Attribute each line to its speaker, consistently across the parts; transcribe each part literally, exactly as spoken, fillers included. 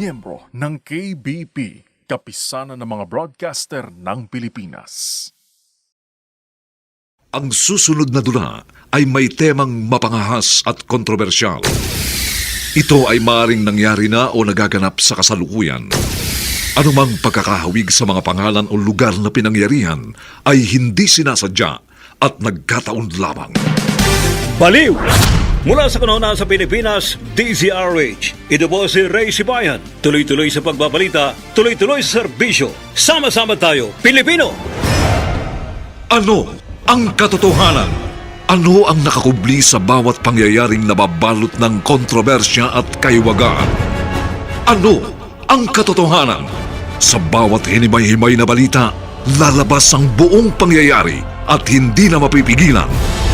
Speaker 1: miyembro ng K B P, Kapisanan ng mga Broadcaster ng Pilipinas.
Speaker 2: Ang susunod na dula ay may temang mapangahas at kontrobersyal. Ito ay maaaring nangyari na o nagaganap sa kasalukuyan. Anumang pagkakahawig sa mga pangalan o lugar na pinangyarihan ay hindi sinasadya at nagkataon lamang.
Speaker 3: Baliw! Mula sa kanuna sa Pilipinas, D Z R H. Ito po si Ray Sibayan. Tuloy-tuloy sa pagbabalita, tuloy-tuloy sa serbisyo. Sama-sama tayo, Pilipino!
Speaker 2: Ano ang katotohanan? Ano ang nakakubli sa bawat pangyayaring nababalot ng kontrobersya at kaiwagaan? Ano ang katotohanan? Sa bawat hinimay-himay na balita, lalabas ang buong pangyayari at hindi na mapipigilan.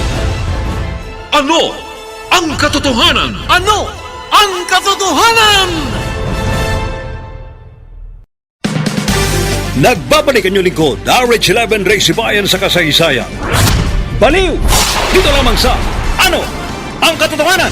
Speaker 2: Ano ang katotohanan?
Speaker 4: Ano ang katotohanan?
Speaker 3: Nagbabalik ang inyong lingkod, R H eleven Ray Sibayan sa kasaysayan. Baliw! Dito lamang sa Ano ang Katotohanan?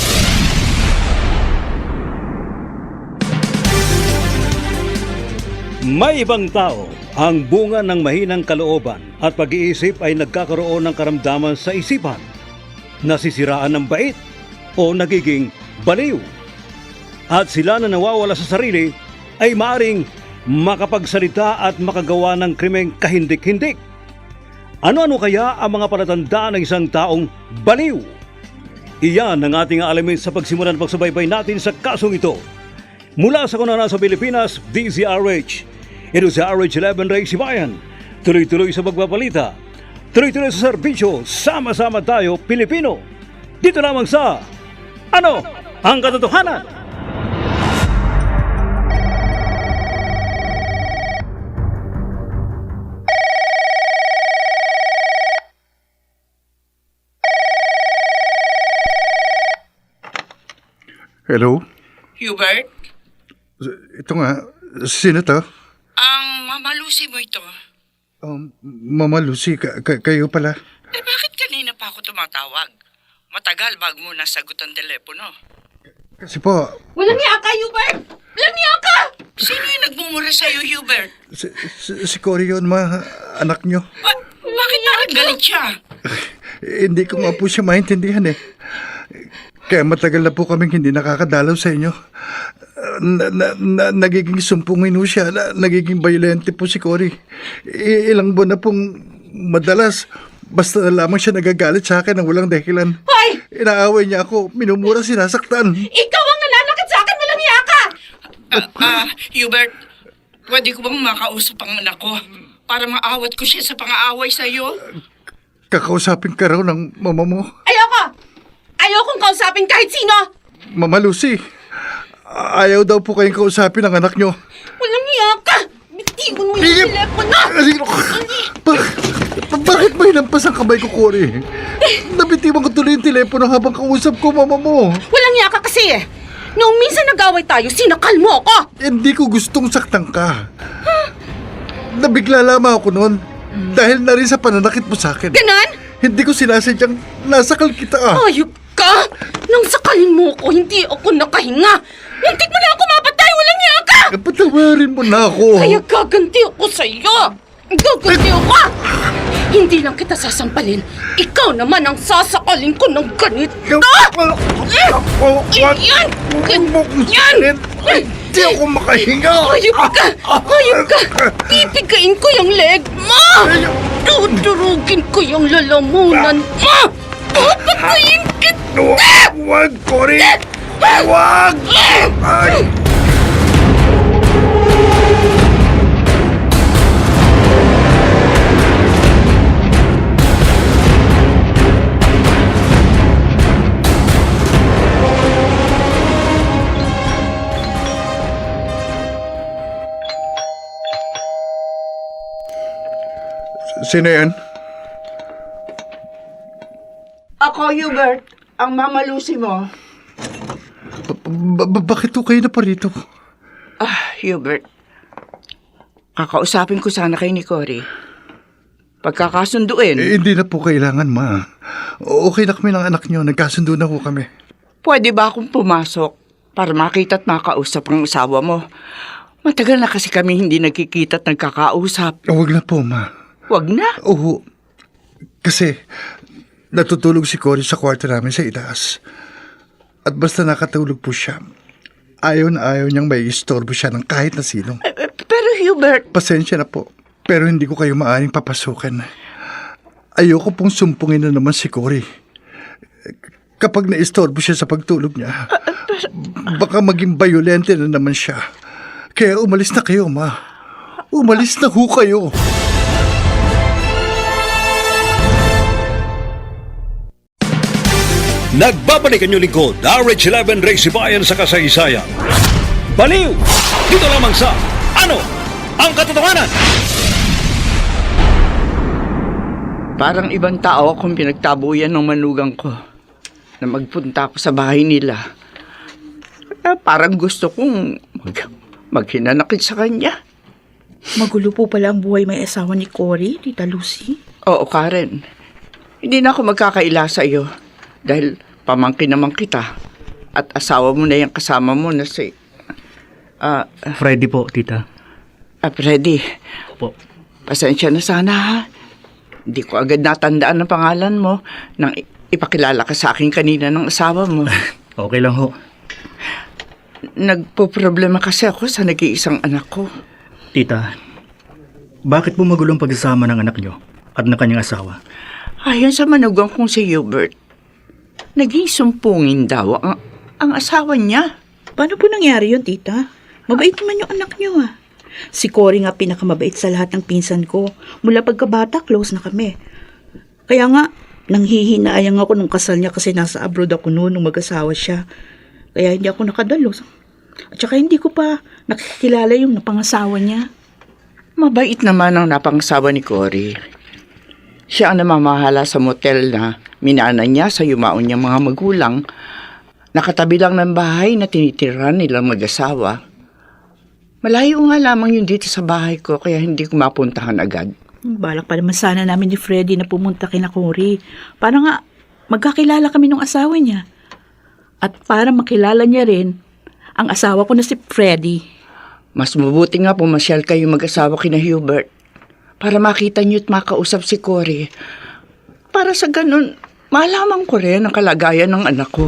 Speaker 3: May ibang tao ang bunga ng mahinang kalooban at pag-iisip ay nagkakaroon ng karamdaman sa isipan, nasisiraan ng bait o nagiging baliw. At sila na nawawala sa sarili ay maaring makapagsalita at makagawa ng krimeng kahindik-hindik. Ano-ano kaya ang mga palatandaan ng isang taong baliw? Iyan ang ating alamin sa pagsimulan ng pagsubaybay natin sa kasong ito. Mula sa kanana sa Pilipinas, D Z R H. Ito si R H eleven Ray Sibayan. Tuloy-tuloy sa pagbabalita. Tuloy-tuloy sa serbisyo. Sama-sama tayo, Pilipino. Dito lamang sa Ano ang Katotohanan?
Speaker 5: Hello?
Speaker 6: Hubert,
Speaker 5: Ito nga, sino to?
Speaker 6: ang Mama Lucy mo ito.
Speaker 5: Um, Mama Lucy, ka- ka- kayo pala.
Speaker 6: Eh bakit kanina pa ako tumatawag? Matagal bago mo nasagot ang telepono.
Speaker 5: Kasi po,
Speaker 7: Walang niya ka, Hubert! Walang niya ka!
Speaker 6: Sino yung nagmumura sa'yo, Hubert?
Speaker 5: si, si, si Cory yun, ma, anak nyo.
Speaker 6: Ba- bakit parang galit siya?
Speaker 5: Eh, hindi ko nga po siya maintindihan eh. Kaya matagal na po kaming hindi nakakadalaw sa inyo. Na, na, na, nagiging sumpungin po siya, na, nagiging violente po si Cory. I, ilang buwan na pong madalas, basta na lamang siya nagagalit sa akin ng walang dahilan.
Speaker 7: Hoy!
Speaker 5: Inaaway niya ako, minumura, sinasaktan.
Speaker 7: Ikaw ang nananakit sa akin! Walang niya ka!
Speaker 6: Ah, ah, Hubert, pwede ko bang makausap ang anak ko para maawat ko siya sa pang-aaway sa'yo?
Speaker 5: Kakausapin ka raw ng mama mo.
Speaker 7: Ayoko! Ayokong kausapin kahit sino!
Speaker 5: Mama Lucy, ayaw daw po kayong kausapin ng anak nyo.
Speaker 7: Walang niya ka! Bitiwan mo yung
Speaker 5: Tigil!
Speaker 7: telepono!
Speaker 5: Ba- bakit ba hinampas ang kamay ko, Cory? Nabitiwan ko tuloy yung telepono habang kausap ko, mama mo.
Speaker 7: Walang niya ka kasi eh! Noong minsan nag-away tayo, sinakal mo ako!
Speaker 5: Hindi ko gustong saktan ka. Nabigla lamang ako noon dahil na rin sa pananakit mo sa akin.
Speaker 7: Ganon?
Speaker 5: Hindi ko sinasadyang nasakal kita.
Speaker 7: Ayok ka! Nang sakalin mo ako, hindi ako nakahinga! Muntik mo na ako mapatay! Walang niya ka!
Speaker 5: Eh, patawarin mo na ako.
Speaker 7: Kaya gaganti ako sa'yo! Gaganti ako! Hindi lang kita sasampalin. Ikaw naman ang sasakalin ko ng ganito! Yan! Ganyan!
Speaker 5: Hindi ako makahinga.
Speaker 7: Ayop ka! Ayop ka! Pipigain ko yung leg mo! Dudurugin ko yung lalamunan mo! Papatayin kita!
Speaker 5: Huwag, Cory! Huwag! Ay! Sino yan?
Speaker 6: Ako, Hubert, ang Mama Lucy mo.
Speaker 5: Ba- ba- bakit po kayo na pa rito?
Speaker 6: Ah, Hubert, kakausapin ko sana kay ni Cory. Pagkakasunduin,
Speaker 5: Eh, hindi na po kailangan, ma. Okay na kami ng anak nyo. Nagkasundo na po kami.
Speaker 6: pwede ba akong pumasok para makita at makausap ang asawa mo. Matagal na kasi kami hindi nagkikita at nagkakausap.
Speaker 5: Huwag na po, ma.
Speaker 6: Huwag na.
Speaker 5: Oo. Kasi natutulog si Cory sa kwarto namin sa itaas. At basta nakatulog po siya, ayaw na ayaw niyang may istorbo siya ng kahit na sino.
Speaker 6: Eh, eh, Pero Hubert,
Speaker 5: Pasensya na po, pero hindi ko kayo maaaring papasukin. Ayoko pong sumpungin na naman si Cory. Kapag naistorbo siya sa pagtulog niya, baka maging bayolente na naman siya. Kaya umalis na kayo, ma. Umalis na ho kayo.
Speaker 3: Nagbabalik ang inyong lingkod, R H eleven Race Bayan sa kasaysayan. Baliw! Dito lamang sa Ano ang Katotohanan?
Speaker 6: parang ibang tao akong pinagtabuyan ng manugang ko na magpunta ako sa bahay nila. Eh, parang gusto kong mag maghinanakit sa kanya.
Speaker 7: Magulo po pala ang buhay may asawa ni Cory, Tita Lucy.
Speaker 6: Oo, Karen. Hindi na ako magkakaila sa iyo dahil pamangkin naman kita at asawa mo na yung kasama mo na si ah
Speaker 8: Freddy po, tita.
Speaker 6: ah, Freddy.
Speaker 8: Opo.
Speaker 6: Pasensya na sana ha. Hindi ko agad natandaan ang pangalan mo nang i- ipakilala ka sa akin kanina ng asawa mo.
Speaker 8: Okay lang ho.
Speaker 6: Nagpo-problema kasi ako sa nag-iisang anak ko.
Speaker 8: Tita, bakit po magulong pagsasama ng anak nyo at ng kanyang asawa?
Speaker 6: Ayon sa manugang kong si Hubert, naging sumpungin daw ang, ang asawa niya.
Speaker 7: Paano po nangyari yun, Tita? Mabait naman yung anak niyo, ah. Si Cory nga pinakamabait sa lahat ng pinsan ko. Mula pagkabata, close na kami. Kaya nga, nanghihinayang ako nung kasal niya kasi nasa abroad ako noon nung mag-asawa siya. Kaya hindi ako nakadalo. At saka hindi ko pa nakikilala yung napangasawa niya.
Speaker 6: Mabait naman ang napangasawa ni Cory. Siya ang namamahala sa motel na minana niya sa yumaon niyang mga magulang. Nakatabi lang ng bahay na tinitirahan nilang mag-asawa. Malayo nga lamang yun dito sa bahay ko kaya hindi ko mapuntahan agad.
Speaker 7: Balak pa naman sana namin ni Freddy na pumunta kina Cory. Para nga magkakilala kami ng asawa niya. At para makilala niya rin ang asawa ko na si Freddy.
Speaker 6: Mas mabuti nga pumasyal kayo mag-asawa kina Hubert para makita niyo at makausap si Cory. Para sa ganun, malaman ko rin ang kalagayan ng anak ko.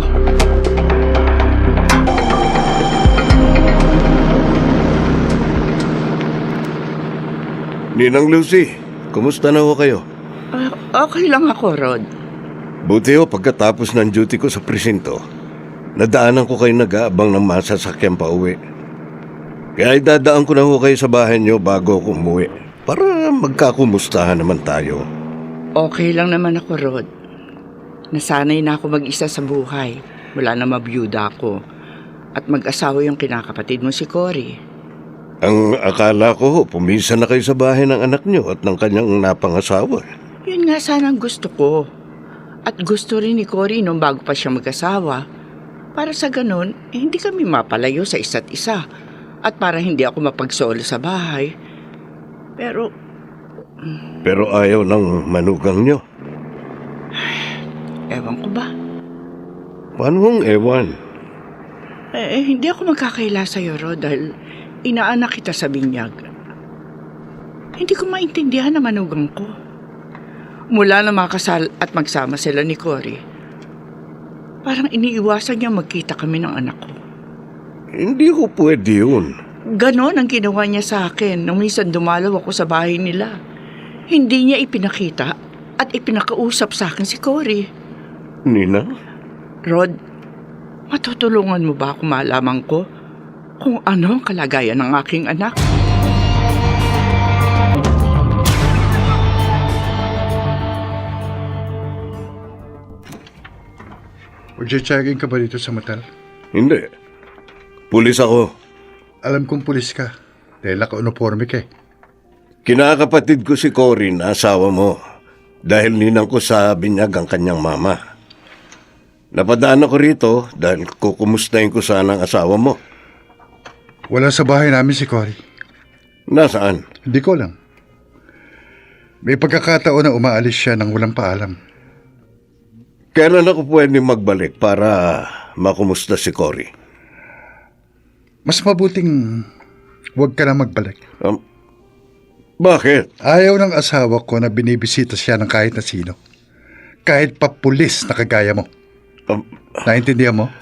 Speaker 9: Ninang Lucy, kumusta na ho kayo?
Speaker 6: Ah, okay lang ako, Rod.
Speaker 9: Buti ho pagkatapos ng duty ko sa presinto, nadaanan ko kayo nag-aabang ng masasakyan pa uwi. Kaya idadaan ko na ho kayo sa bahay niyo bago ako umuwi para magkakumustahan naman tayo.
Speaker 6: Okay lang naman ako, Rod. Nasanay na ako mag-isa sa buhay mula na mabiyuda ako at mag-asawa yung kinakapatid mo si Cory.
Speaker 9: Ang akala ko ho, pumisa na kayo sa bahay ng anak niyo at ng kanyang napangasawa.
Speaker 6: Yun nga sana ang gusto ko. At gusto rin ni Cory nung bago pa siya mag-asawa. Para sa ganun, eh, hindi kami mapalayo sa isa't isa. At para hindi ako mapagsolo sa bahay. Pero,
Speaker 9: Pero ayaw ng manugang niyo.
Speaker 6: ewan ko ba?
Speaker 9: Paano hong ewan?
Speaker 6: Eh, eh, hindi ako magkakaila sa'yo, Rod, dahil inaanak kita sa binyag. Hindi ko maintindihan na manugang ko. Mula na makasal at magsama sila ni Cory, parang iniiwasan niya magkita kami ng anak ko.
Speaker 9: Hindi ko pwede yun.
Speaker 6: Ganon ang ginawa niya sa akin nung minsan dumalaw ako sa bahay nila. Hindi niya ipinakita at ipinakausap sa akin si Cory.
Speaker 9: Nina?
Speaker 6: Rod, matutulungan mo ba ako malaman ko kung ano ang kalagayan ng aking anak?
Speaker 5: Magche-checking ka ba dito sa motel?
Speaker 9: Hindi. Pulis ako.
Speaker 5: Alam kong pulis ka. Dahil naka-uniforme ka eh.
Speaker 9: Kinakapatid ko si Cory na asawa mo dahil ninang ko sa binyag ang kanyang mama. Napadaan ako rito dahil kukumustahin ko sana ang asawa mo.
Speaker 5: Wala sa bahay namin si Cory.
Speaker 9: Nasaan?
Speaker 5: Hindi ko lang. May pagkakataon na umaalis siya nang walang paalam.
Speaker 9: Kailan ako pwede magbalik para makumusta si Cory?
Speaker 5: mas mabuting huwag ka na magbalik.
Speaker 9: Um, bakit?
Speaker 5: Ayaw ng asawa ko na binibisita siya ng kahit na sino. Kahit pa pulis na kagaya mo.
Speaker 9: Um,
Speaker 5: Naintindihan mo?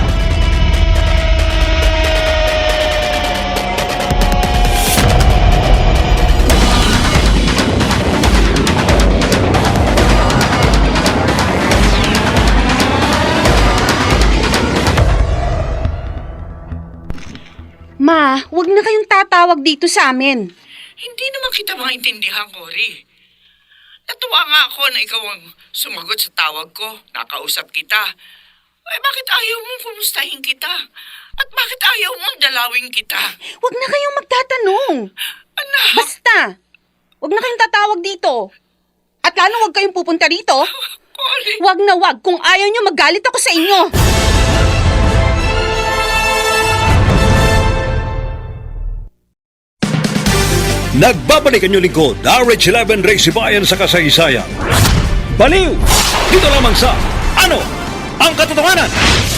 Speaker 10: Ma, wag na kayong tatawag dito sa amin.
Speaker 6: Hindi naman kita maintindihan, Cory. Natuwa nga ako na ikaw ang sumagot sa tawag ko. Nakausap kita. Eh, bakit ayaw mong kumustahin kita? At bakit ayaw mong dalawin kita?
Speaker 10: Wag na kayong magtatanong.
Speaker 6: Anak!
Speaker 10: Basta, wag na kayong tatawag dito. At lalo wag kayong pupunta rito.
Speaker 6: Cory!
Speaker 10: Wag na wag. Kung ayaw nyo, magalit ako sa inyo.
Speaker 3: Nagbabalik ang inyong lingkod, R H eleven Race Bayan sa kasaysayan. Baliw! Dito lamang sa Ano ang Katotohanan?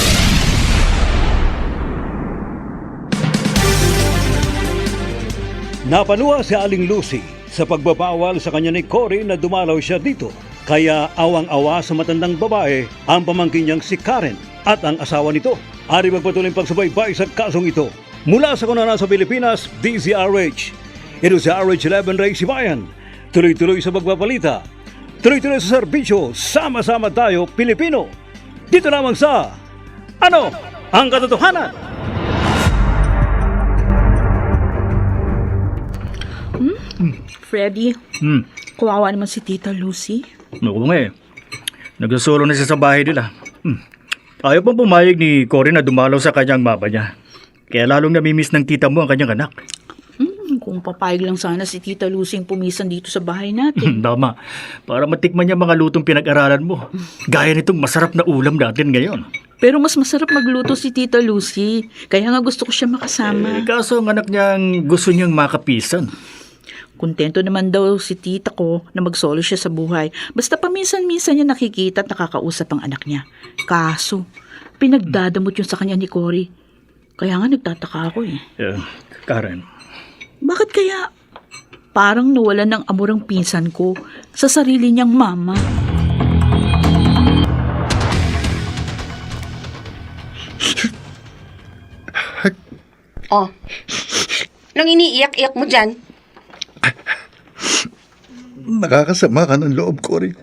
Speaker 3: Napaluha si Aling Lucy sa pagbabawal sa kanya ni Cory na dumalaw siya dito. Kaya awang-awa sa matandang babae ang pamangkin niyang si Karen at ang asawa nito. Ari magpatuloy ang pagsubaybay sa kasong ito. Mula sa kunanan sa Pilipinas, D Z R H. Ito sa R H eleven Ray Sibayan. Tuloy-tuloy sa pagpapalita. Tuloy-tuloy sa serbisyo. Sama-sama tayo, Pilipino. Dito lamang sa Ano ang Katotohanan?
Speaker 7: Hmm? Freddy,
Speaker 8: Hmm.
Speaker 7: kawawa naman si Tita Lucy.
Speaker 8: Oo nga eh. Nagsasolo na siya sa bahay nila. Hmm. Ayaw pang pumayag ni Cory na dumalaw sa kanyang mama niya. Kaya lalong namimiss ng tita mo ang kanyang anak.
Speaker 7: Hmm, kung papayag lang sana si Tita Lucy ang pumisan dito sa bahay natin.
Speaker 8: Tama. Para matikman niya mga lutong pinag-aralan mo. Gaya nitong masarap na ulam natin ngayon.
Speaker 7: Pero mas masarap magluto si Tita Lucy. Kaya nga gusto ko siya makasama.
Speaker 8: Eh, kaso ang anak niyang gusto niyang makapisan.
Speaker 7: Kontento naman daw si tita ko na magsolo siya sa buhay. Basta paminsan-minsan niya nakikita at nakakausap ang anak niya. Kaso, pinagdadamot yun sa kanya ni Cory. Kaya nga nagtataka ako eh.
Speaker 8: Eh, Karen.
Speaker 7: Bakit kaya parang nawalan ng amor ang pinsan ko sa sarili niyang mama?
Speaker 10: Oh, nang iniiyak-iyak mo dyan?
Speaker 5: Nakakasama ka ng loob, Cory.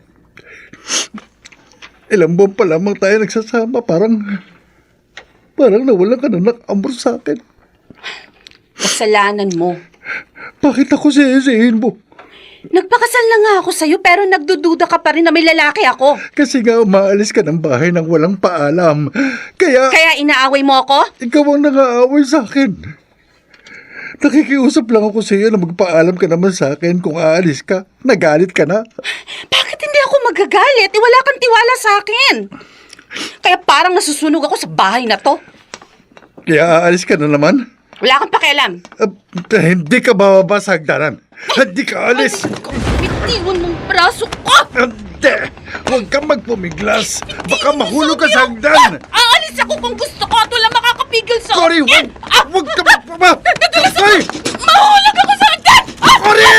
Speaker 5: Ilang buwan pa lamang tayo nagsasama. Parang, parang nawalan ka na ng amor sa akin.
Speaker 10: Kasalanan mo.
Speaker 5: Bakit ako sisihin mo?
Speaker 10: Nagpakasal na nga ako sa'yo pero nagdududa ka pa rin na may lalaki ako.
Speaker 5: Kasi nga umaalis ka ng bahay nang walang paalam. Kaya,
Speaker 10: Kaya inaaway mo ako?
Speaker 5: ikaw ang nang-aaway sa akin. Nakikiusap lang ako sa iyo na magpaalam ka naman sa akin kung aalis ka. Nagalit ka na.
Speaker 10: Bakit hindi ako magagalit? Eh, wala kang tiwala sa akin. Kaya parang nasusunog ako sa bahay na to.
Speaker 5: Kaya aalis ka na naman?
Speaker 10: Wala kang pakialam.
Speaker 5: Uh, hindi ka bababa sa hagdanan. Hindi ka alis.
Speaker 10: Bitiwan mong braso ko!
Speaker 5: Hindi! Huwag kang magpumiglas. Baka mahulog ka sa hagdan.
Speaker 10: Aalis ako kung gusto ko at wala makakapigil sa
Speaker 5: Cory,
Speaker 10: akin.
Speaker 5: huwag! Huwag ka magpuma! Cory!
Speaker 10: Mahulog ako sa hagdan! Ah!
Speaker 5: Cory!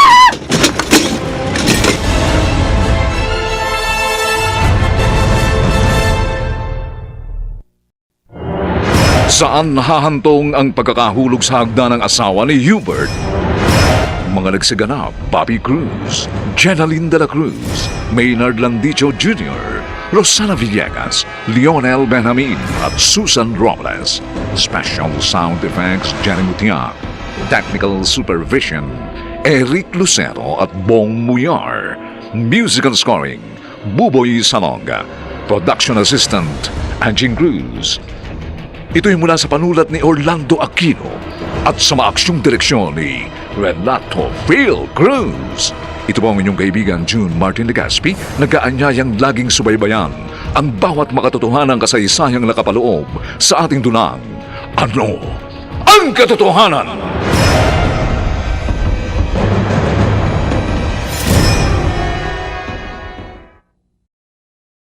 Speaker 2: Saan nahahantong ang pagkakahulog sa hagdan ng asawa ni Hubert? Mga nagsaganap, Bobby Cruz, Jenaline de la Cruz, Maynard Landicho Junior, Rosana Villegas, Lionel Benjamin at Susan Robles. Special Sound Effects, Jenny Mutiak. Technical Supervision, Eric Lucero at Bong Muyar. Musical Scoring, Buboy Salonga. Production Assistant, Anjing Cruz. Ito'y mula sa panulat ni Orlando Aquino at sa maaksyong direksyon ni Renato Phil Cruz. Ito po ang inyong kaibigan June Martin Legaspi, nag-aanyayang laging subaybayan ang bawat makatotohanang kasaysayang nakapaloob sa ating dunang. Ano ang katotohanan?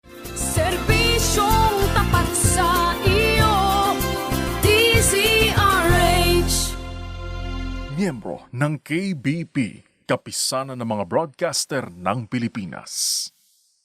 Speaker 11: Serbisyong tapat sa iyo, D Z R
Speaker 1: miyembro ng K B P, Kapisanan ng mga Broadcaster ng Pilipinas.